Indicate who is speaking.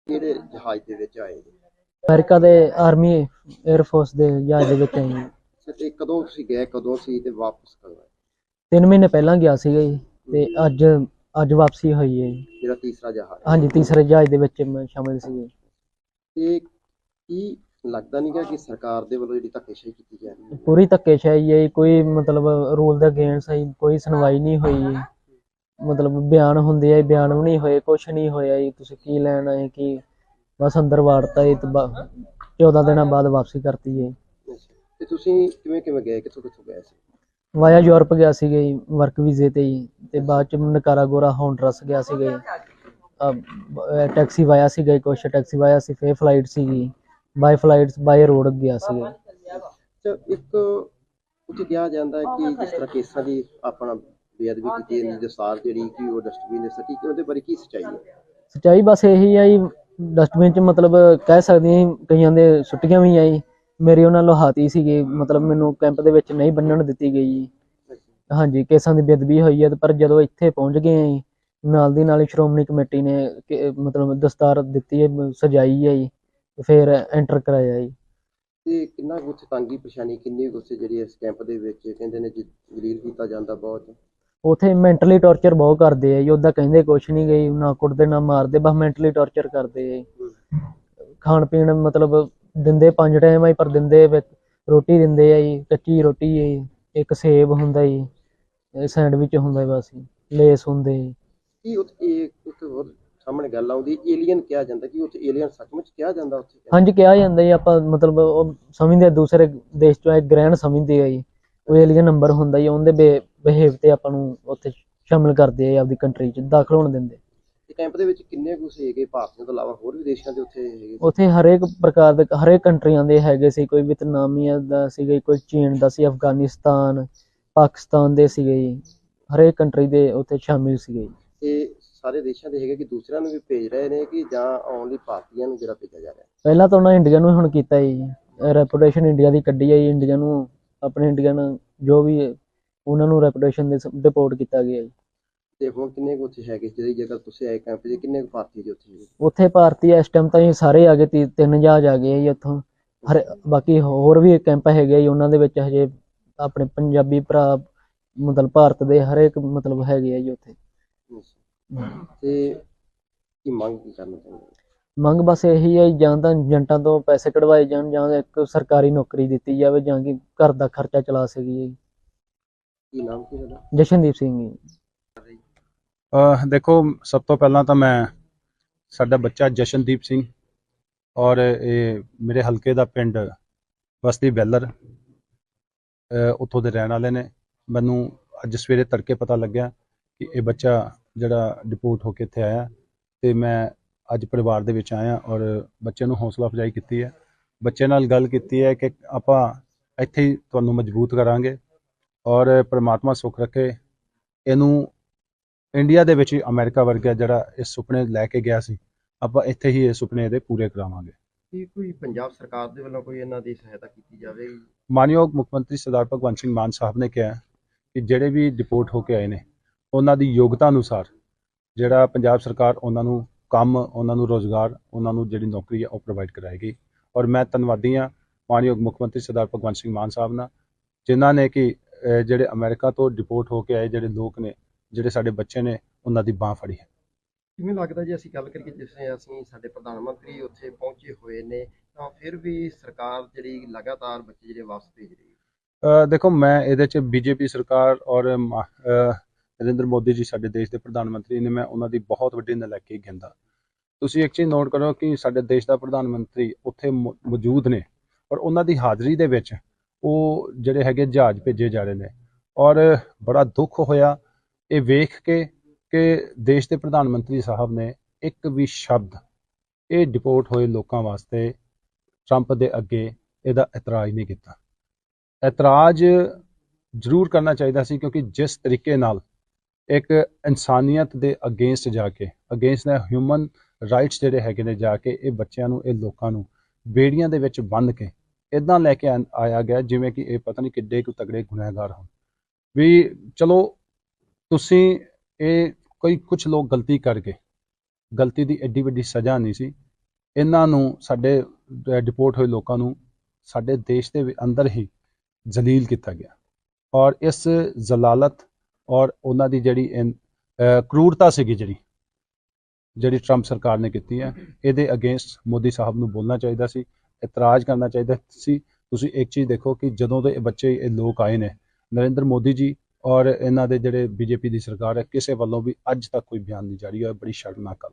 Speaker 1: ਕਿਹੜੇ ਜਹਾਜ਼ ਦੇ ਵਿੱਚ ਆਏ ਜੀ?
Speaker 2: ਅਮਰੀਕਾ ਦੇ ਆਰਮੀ 에ਅਰ ਫੋਰਸ ਦੇ ਜਹਾਜ਼ ਦੇ ਵਿੱਚ ਆਈ ਜੀ।
Speaker 1: ਅੱਛਾ, ਤੇ ਕਦੋਂ ਤੁਸੀਂ ਗਏ, ਕਦੋਂ ਸੀ ਤੇ ਵਾਪਸ ਕਦੋਂ ਆਏ?
Speaker 2: 3 ਮਹੀਨੇ ਪਹਿਲਾਂ ਗਿਆ ਸੀਗਾ ਜੀ ਤੇ ਅੱਜ ਅੱਜ ਵਾਪਸੀ ਹੋਈ ਹੈ ਜੀ।
Speaker 1: ਜਿਹੜਾ ਤੀਸਰਾ ਜਹਾਜ਼?
Speaker 2: ਹਾਂਜੀ, ਤੀਸਰੇ ਜਹਾਜ਼ ਦੇ ਵਿੱਚ ਮੈਂ ਸ਼ਾਮਿਲ ਸੀਗੇ।
Speaker 1: ਤੇ ਕੀ ਲੱਗਦਾ ਨਹੀਂ ਗਾ ਕਿ ਸਰਕਾਰ ਦੇ ਵੱਲੋਂ ਜਿਹੜੀ ਧੱਕੇਸ਼ਾਹੀ ਕੀਤੀ ਜਾ ਰਹੀ ਹੈ?
Speaker 2: ਪੂਰੀ ਧੱਕੇਸ਼ਾਹੀ ਹੈ ਜੀ, ਕੋਈ ਮਤਲਬ ਰੂਲ ਦੇ ਅਗੇਂਸਟ ਹੈ ਜੀ, ਕੋਈ ਸੁਣਵਾਈ ਨਹੀਂ ਹੋਈ ਜੀ। ਮਤਲਬ ਬਿਆਨ ਹੁੰਦੇ ਆ ਜੀ, ਬਿਆਨ ਵੀ ਨਹੀਂ ਹੋਏ, ਕੁਛ ਨਹੀਂ ਹੋਇਆ ਜੀ। ਤੁਸੀਂ ਕੀ ਲੈਣ ਆਏ, ਕੀ ਬਸ ਅੰਦਰ ਵਾੜਤਾ ਜੀ ਤੇ 14 ਦਿਨਾਂ ਬਾਅਦ ਵਾਪਸੀ ਕਰਤੀ ਜੀ।
Speaker 1: ਅੱਛਾ, ਤੇ ਤੁਸੀਂ ਕਿਵੇਂ ਕਿਵੇਂ ਗਏ, ਕਿੱਥੋਂ ਕਿੱਥੋਂ ਗਏ ਸੀ?
Speaker 2: ਵਾਇਆ ਯੂਰਪ ਗਿਆ ਸੀਗਾ ਜੀ, ਵਰਕ ਵੀਜ਼ੇ ਤੇ ਜੀ। ਤੇ ਬਾਅਦ ਚ ਨਕਾਰਾਗੋਰਾ ਹੋਂਡਰਸ ਗਿਆ ਸੀਗਾ ਜੀ। ਟੈਕਸੀ ਵਾਇਆ ਸੀਗਾ ਜੀ, ਕੁਛ ਟੈਕਸੀ ਵਾਇਆ ਸੀ, ਫੇਰ ਫਲਾਈਟ ਸੀਗੀ, ਬਾਈ ਫਲਾਈਟਸ ਬਾਈ ਰੋਡ ਗਿਆ ਸੀਗਾ।
Speaker 1: ਅੱਛਾ, ਇੱਕ ਉੱਥੇ ਕਿਹਾ ਜਾਂਦਾ ਹੈ ਕਿ ਜਿਸ ਤਰ੍ਹਾਂ ਕੇਸਾਂ ਦੀ ਆਪਣਾ ਬੇਅਦਬੀ ਕੀਤੀ ਜਾਂਦੀ, ਦਸਤਾਰ ਜਿਹੜੀ ਕਿ ਉਹ ਡਸਟਬਿਨ ਦੇ ਸੱਟੀ, ਕਿ ਉਹਦੇ ਬਾਰੇ ਕੀ ਸੱਚਾਈ ਹੈ?
Speaker 2: ਸੱਚਾਈ ਬਸ ਇਹੀ ਆ ਜੀ, ਡਸਟਬਿਨ ਚ ਮਤਲਬ ਕਹਿ ਸਕਦੇ ਹਾਂ ਕਈਆਂ ਦੇ ਸੁੱਟੀਆਂ ਵੀ ਆ ਜੀ। ਮੇਰੀ ਉਹਨਾਂ ਲੋਹਾਤੀ ਸੀਗੀ, ਮਤਲਬ ਮੈਨੂੰ ਕੈਂਪ ਦੇ ਵਿੱਚ ਨਹੀਂ ਬੰਨਣ ਦਿੱਤੀ ਗਈ ਜੀ। ਹਾਂਜੀ, ਕੇਸਾਂ ਦੀ ਬੇਅਦਬੀ ਹੋਈ ਹੈ, ਪਰ ਜਦੋਂ ਇੱਥੇ ਪਹੁੰਚ ਗਏ ਆ ਜੀ, ਨਾਲ ਦੀ ਨਾਲ ਹੀ ਸ਼੍ਰੋਮਣੀ ਕਮੇਟੀ ਨੇ ਮਤਲਬ ਦਸਤਾਰ ਦਿੱਤੀ ਹੈ, ਸਜਾਈ ਹੈ ਜੀ, ਫਿਰ ਐਂਟਰ ਕਰਾਇਆ ਜੀ।
Speaker 1: ਤੇ ਕਿੰਨਾ ਕੁ ਉੱਥੇ ਤੰਗੀ ਪਰੇਸ਼ਾਨੀ, ਕਿੰਨੀ ਕੁ ਉੱਥੇ ਜਿਹੜੀ ਇਸ ਕੈਂਪ ਦੇ ਵਿੱਚ ਕਹਿੰਦੇ ਨੇ ਜਲੀਲ ਕੀਤਾ ਜਾਂਦਾ ਬਹੁਤ?
Speaker 2: ਉਥੇ ਮੈਂਟਲੀ ਟੌਰਚਰ ਬਹੁਤ ਕਰਦੇ ਆ ਜੀ, ਉੱਦਾਂ ਕਹਿੰਦੇ ਕੁਛ ਨਹੀਂ ਗਈ, ਨਾ ਕੁੱਟਦੇ ਨਾ ਮਾਰਦੇ, ਬਸ ਮੈਂਟਲੀ ਟੌਰਚਰ ਕਰਦੇ ਆ ਜੀ। ਖਾਣ ਪੀਣ ਮਤਲਬ ਦਿੰਦੇ 5 ਟਾਈਮ ਆ ਜੀ, ਪਰ ਦਿੰਦੇ ਵਿੱਚ ਰੋਟੀ ਦਿੰਦੇ ਆ ਜੀ, ਕੱਚੀ ਰੋਟੀ ਹੈ ਜੀ, ਇੱਕ ਸੇਬ ਹੁੰਦਾ ਜੀ, ਸੈਂਡਵਿਚ ਹੁੰਦਾ ਬਸ ਜੀ, ਲੇਸ ਹੁੰਦੇ ਜੀ।
Speaker 1: ਕੀ ਉੱਥੇ ਇੱਕ ਹੋਰ ਸਾਹਮਣੇ ਗੱਲ ਆਉਂਦੀ, ਏਲੀਅਨ ਕਿਹਾ ਜਾਂਦਾ, ਕਿ ਉੱਥੇ ਏਲੀਅਨ ਸੱਚਮੁੱਚ ਕਿਹਾ ਜਾਂਦਾ ਉੱਥੇ ਕੈਂਪ?
Speaker 2: ਹਾਂਜੀ, ਕਿਹਾ ਜਾਂਦਾ ਜੀ, ਆਪਾਂ ਮਤਲਬ ਉਹ ਸਮਝਦੇ ਦੂਸਰੇ ਦੇਸ਼ ਚੋਂ ਇੱਕ ਗ੍ਰਹਿਣ ਸਮਝਦੇ ਆ ਜੀ, ਉਹ ਏਲੀਅਨ ਨੰਬਰ ਹੁੰਦਾ ਜੀ, ਉਹਦੇ ਬਿਹੇਵ ਤੇ ਆਪਾਂ ਨੂੰ ਉੱਥੇ ਸ਼ਾਮਿਲ ਕਰਦੇ ਆ, ਆਪਦੀ ਕੰਟਰੀ ਚ ਦਾਖਲ ਹੋਣ ਦਿੰਦੇ।
Speaker 1: ਤੇ ਕੈਂਪ ਦੇ ਵਿੱਚ ਕਿੰਨੇ ਕੁ ਸੀਗੇ ਭਾਰਤੀਆਂ ਤੋਂ ਇਲਾਵਾ, ਹੋਰ ਵੀ ਦੇਸ਼ਾਂ ਦੇ ਉੱਥੇ ਹੈਗੇ ਸੀ?
Speaker 2: ਉੱਥੇ ਹਰੇਕ ਪ੍ਰਕਾਰ ਦੇ ਹਰੇਕ ਕੰਟਰੀਆਂ ਦੇ ਹੈਗੇ ਸੀ, ਕੋਈ ਵਿਤਨਾਮੀਆ ਦਾ ਸੀਗਾ, ਕੋਈ ਚੀਨ ਦਾ ਸੀ, ਅਫਗਾਨਿਸਤਾਨ, ਪਾਕਿਸਤਾਨ ਦੇ ਸੀਗੇ ਜੀ, ਹਰੇਕ ਕੰਟਰੀ ਦੇ ਉੱਥੇ ਸ਼ਾਮਿਲ ਸੀਗੇ ਜੀ।
Speaker 1: ਇਹ ਸਾਰੇ ਦੇਸ਼ਾਂ ਦੇ ਹੈਗੇ ਕਿ ਦੂਸਰਿਆਂ ਨੂੰ ਵੀ ਭੇਜ ਰਹੇ ਨੇ, ਕਿ ਜਾਂ ਓਨਲੀ ਭਾਰਤੀਆਂ ਨੂੰ ਜਿਹੜਾ ਭੇਜਿਆ ਜਾ ਰਿਹਾ?
Speaker 2: ਪਹਿਲਾਂ ਤਾਂ ਉਹਨਾਂ ਇੰਡੀਆ ਨੂੰ ਹੁਣ ਕੀਤਾ ਜੀ, ਰੈਪੂਟੇਸ਼ਨ ਇੰਡੀਆ ਦੀ ਕੱਢੀ ਹੈ ਜੀ, ਇੰਡੀਆ ਨੂੰ ਆਪਣੇ ਇੰਡੀਅਨ ਜੋ ਵੀ ਉਹਨਾਂ ਨੂੰ ਰੈਪੂਟੇਸ਼ਨ ਦੇ ਡਿਪੋਰਟ ਕੀਤਾ ਗਿਆ ਜੀ।
Speaker 1: ਤੇ ਹੁਣ ਕਿੰਨੇ ਕੁ ਉੱਥੇ ਹੈਗੇ, ਜਿਹੜੀ ਜਗ੍ਹਾ ਤੁਸੀਂ ਆਏ ਕੈਂਪ 'ਚ, ਕਿੰਨੇ ਕੁ ਭਾਰਤੀ ਜੀ ਉੱਥੇ ਹੈਗੇ?
Speaker 2: ਉੱਥੇ ਭਾਰਤੀ ਇਸ ਟਾਈਮ ਤਾਂ ਜੀ ਸਾਰੇ ਆ ਗਏ, 3 ਜਹਾਜ਼ ਆ ਗਏ ਜੀ ਉੱਥੋਂ। ਬਾਕੀ ਹੋਰ ਵੀ ਕੈਂਪ ਹੈਗੇ ਜੀ, ਉਹਨਾਂ ਦੇ ਵਿੱਚ ਹਜੇ ਆਪਣੇ ਪੰਜਾਬੀ ਭਰਾ ਮਤਲਬ ਭਾਰਤ ਦੇ ਹਰੇਕ ਮਤਲਬ ਹੈਗੇ ਆ ਜੀ ਉੱਥੇ।
Speaker 1: ਤੇ ਕੀ ਮੰਗ ਕੀ ਕਰਨਾ ਚਾਹੁੰਦੇ?
Speaker 2: ਮੰਗ ਬਸ ਇਹੀ ਹੈ, ਜਾਂ ਤਾਂ ਏਜੰਟਾਂ ਤੋਂ ਪੈਸੇ ਕਢਵਾਏ ਜਾਣ, ਜਾਂ ਇੱਕ ਸਰਕਾਰੀ ਨੌਕਰੀ ਦਿੱਤੀ ਜਾਵੇ, ਜਾਂ ਕਿ ਘਰ ਦਾ ਖਰਚਾ ਚਲਾ ਸਕੀਏ।
Speaker 1: ਕੀ ਨਾਮ ਕੀ ਤੁਹਾਡਾ?
Speaker 2: ਜਸ਼ਨਦੀਪ ਸਿੰਘ ਜੀ।
Speaker 3: ਦੇਖੋ, ਸਭ ਤੋਂ ਪਹਿਲਾਂ ਤਾਂ ਮੈਂ ਸਾਡਾ ਬੱਚਾ ਜਸ਼ਨਦੀਪ ਸਿੰਘ, ਔਰ ਇਹ ਮੇਰੇ ਹਲਕੇ ਦਾ ਪਿੰਡ ਬਸਤੀ ਬੈਲਰ, ਉੱਥੋਂ ਦੇ ਰਹਿਣ ਵਾਲੇ ਨੇ। ਮੈਨੂੰ ਅੱਜ ਸਵੇਰੇ ਤੜਕੇ ਪਤਾ ਲੱਗਿਆ ਕਿ ਇਹ ਬੱਚਾ ਜਿਹੜਾ ਡਿਪੋਰਟ ਹੋ ਕੇ ਇੱਥੇ ਆਇਆ, ਅਤੇ ਮੈਂ ਅੱਜ ਪਰਿਵਾਰ ਦੇ ਵਿੱਚ ਆਇਆ ਔਰ ਬੱਚੇ ਨੂੰ ਹੌਸਲਾ ਅਫਜ਼ਾਈ ਕੀਤੀ ਹੈ, ਬੱਚੇ ਨਾਲ ਗੱਲ ਕੀਤੀ ਹੈ ਕਿ ਆਪਾਂ ਇੱਥੇ ਹੀ ਤੁਹਾਨੂੰ ਮਜ਼ਬੂਤ ਕਰਾਂਗੇ, ਔਰ ਪ੍ਰਮਾਤਮਾ ਸੁੱਖ ਰੱਖੇ ਇਹਨੂੰ ਇੰਡੀਆ ਦੇ ਵਿੱਚ ਹੀ ਅਮਰੀਕਾ ਵਰਗਾ ਜਿਹੜਾ ਇਹ ਸੁਪਨੇ ਲੈ ਕੇ ਗਿਆ ਸੀ, ਆਪਾਂ ਇੱਥੇ ਹੀ ਇਹ ਸੁਪਨੇ ਇਹਦੇ ਪੂਰੇ ਕਰਾਵਾਂਗੇ।
Speaker 1: ਕੀ ਕੋਈ ਪੰਜਾਬ ਸਰਕਾਰ ਦੇ ਵੱਲੋਂ ਕੋਈ ਇਹਨਾਂ ਦੀ ਸਹਾਇਤਾ ਕੀਤੀ ਜਾਵੇਗੀ?
Speaker 3: ਮਾਨਯੋਗ ਮੁੱਖ ਮੰਤਰੀ ਸਰਦਾਰ ਭਗਵੰਤ ਸਿੰਘ ਮਾਨ ਸਾਹਿਬ ਨੇ ਕਿਹਾ ਕਿ ਜਿਹੜੇ ਵੀ ਡਿਪੋਰਟ ਹੋ ਕੇ ਆਏ ਨੇ, ਉਹਨਾਂ ਦੀ ਯੋਗਤਾ ਅਨੁਸਾਰ ਜਿਹੜਾ ਪੰਜਾਬ ਸਰਕਾਰ ਉਹਨਾਂ ਨੂੰ ਕੰਮ, ਉਹਨਾਂ ਨੂੰ ਰੋਜ਼ਗਾਰ, ਉਹਨਾਂ ਨੂੰ ਜਿਹੜੀ ਨੌਕਰੀ ਹੈ ਉਹ ਪ੍ਰੋਵਾਈਡ ਕਰਾਏਗੀ। ਔਰ ਮੈਂ ਧੰਨਵਾਦੀ ਹਾਂ ਮਾਨਯੋਗ ਮੁੱਖ ਮੰਤਰੀ ਸਰਦਾਰ ਭਗਵੰਤ ਸਿੰਘ ਮਾਨ ਸਾਹਿਬ ਨਾਲ, ਜਿਨ੍ਹਾਂ ਨੇ ਕਿ ਜਿਹੜੇ ਅਮਰੀਕਾ ਤੋਂ ਡਿਪੋਰਟ ਹੋ ਕੇ ਆਏ ਜਿਹੜੇ ਲੋਕ ਨੇ, ਜਿਹੜੇ ਸਾਡੇ ਬੱਚੇ ਨੇ, ਉਹਨਾਂ ਦੀ ਬਾਂਹ ਫੜੀ ਹੈ।
Speaker 1: ਕਿਵੇਂ ਲੱਗਦਾ ਜੀ, ਅਸੀਂ ਗੱਲ ਕਰੀਏ ਜਿਸ ਤਰ੍ਹਾਂ ਅਸੀਂ ਸਾਡੇ ਪ੍ਰਧਾਨ ਮੰਤਰੀ ਉੱਥੇ ਪਹੁੰਚੇ ਹੋਏ ਨੇ, ਤਾਂ ਫਿਰ ਵੀ ਸਰਕਾਰ ਜਿਹੜੀ ਲਗਾਤਾਰ ਬੱਚੇ ਜਿਹੜੇ ਵਾਪਸ ਭੇਜ ਰਹੀ ਹੈ?
Speaker 3: ਦੇਖੋ, ਮੈਂ ਇਹਦੇ 'ਚ ਬੀਜੇਪੀ ਸਰਕਾਰ ਔਰ ਨਰਿੰਦਰ ਮੋਦੀ ਜੀ ਸਾਡੇ ਦੇਸ਼ ਦੇ ਪ੍ਰਧਾਨ ਮੰਤਰੀ ਨੇ, ਮੈਂ ਉਹਨਾਂ ਦੀ ਬਹੁਤ ਵੱਡੀ ਨਲਾਇਕੀ ਗਿਣਦਾ। ਤੁਸੀਂ ਇੱਕ ਚੀਜ਼ ਨੋਟ ਕਰੋ ਕਿ ਸਾਡੇ ਦੇਸ਼ ਦਾ ਪ੍ਰਧਾਨ ਮੰਤਰੀ ਉੱਥੇ ਮੌਜੂਦ ਨੇ, ਔਰ ਉਹਨਾਂ ਦੀ ਹਾਜ਼ਰੀ ਦੇ ਵਿੱਚ ਉਹ ਜਿਹੜੇ ਹੈਗੇ ਜਹਾਜ਼ ਭੇਜੇ ਜਾ ਰਹੇ ਨੇ, ਔਰ ਬੜਾ ਦੁੱਖ ਹੋਇਆ ਇਹ ਵੇਖ ਕੇ ਕਿ ਦੇਸ਼ ਦੇ ਪ੍ਰਧਾਨ ਮੰਤਰੀ ਸਾਹਿਬ ਨੇ ਇੱਕ ਵੀ ਸ਼ਬਦ ਇਹ ਡਿਪੋਰਟ ਹੋਏ ਲੋਕਾਂ ਵਾਸਤੇ ਟਰੰਪ ਦੇ ਅੱਗੇ ਇਹਦਾ ਇਤਰਾਜ਼ ਨਹੀਂ ਕੀਤਾ। ਇਤਰਾਜ਼ ਜ਼ਰੂਰ ਕਰਨਾ ਚਾਹੀਦਾ ਸੀ, ਕਿਉਂਕਿ ਜਿਸ ਤਰੀਕੇ ਨਾਲ ਇੱਕ ਇਨਸਾਨੀਅਤ ਦੇ ਅਗੇਂਸਟ ਜਾ ਕੇ, ਅਗੇਂਸਟ ਦਾ ਹਿਊਮਨ ਰਾਈਟਸ ਜਿਹੜੇ ਹੈਗੇ ਨੇ, ਜਾ ਕੇ ਇਹ ਬੱਚਿਆਂ ਨੂੰ, ਇਹ ਲੋਕਾਂ ਨੂੰ ਬੇੜੀਆਂ ਦੇ ਵਿੱਚ ਬੰਨ੍ਹ ਕੇ ਇੱਦਾਂ ਲੈ ਕੇ ਆਇਆ ਗਿਆ ਜਿਵੇਂ ਕਿ ਇਹ ਪਤਾ ਨਹੀਂ ਕਿੱਡੇ ਕੁ ਤਗੜੇ ਗੁਨਹਗਾਰ ਹੋਣ। ਵੀ ਚਲੋ ਤੁਸੀਂ ਇਹ ਕੁਝ ਲੋਕ ਗਲਤੀ ਕਰ ਗਏ, ਗਲਤੀ ਦੀ ਐਡੀ ਵੱਡੀ ਸਜ਼ਾ ਨਹੀਂ ਸੀ ਇਹਨਾਂ ਨੂੰ ਸਾਡੇ ਡਿਪੋਰਟ ਹੋਏ ਲੋਕਾਂ ਨੂੰ ਸਾਡੇ ਦੇਸ਼ ਦੇ ਅੰਦਰ ਹੀ ਜ਼ਲੀਲ ਕੀਤਾ ਗਿਆ ਔਰ ਇਸ ਜ਼ਲਾਲਤ ਔਰ ਉਹਨਾਂ ਦੀ ਜਿਹੜੀ ਕਰੂਰਤਾ ਸੀਗੀ ਜਿਹੜੀ ਟਰੰਪ ਸਰਕਾਰ ਨੇ ਕੀਤੀ ਹੈ, ਇਹਦੇ ਅਗੇਂਸਟ ਮੋਦੀ ਸਾਹਿਬ ਨੂੰ ਬੋਲਣਾ ਚਾਹੀਦਾ ਸੀ, ਇਤਰਾਜ਼ ਕਰਨਾ ਚਾਹੀਦਾ ਸੀ। ਤੁਸੀਂ ਇੱਕ ਚੀਜ਼ ਦੇਖੋ ਕਿ ਜਦੋਂ ਦੇ ਇਹ ਲੋਕ ਆਏ ਨੇ, ਨਰਿੰਦਰ ਮੋਦੀ ਜੀ ਔਰ ਇਹਨਾਂ ਦੇ ਜਿਹੜੇ ਬੀਜੇਪੀ ਦੀ ਸਰਕਾਰ ਹੈ, ਕਿਸੇ ਵੱਲੋਂ ਵੀ ਅੱਜ ਤੱਕ ਕੋਈ ਬਿਆਨ ਨਹੀਂ ਜਾਰੀ ਹੋਇਆ। ਬੜੀ ਸ਼ਰਮਨਾਕ ਗੱਲ।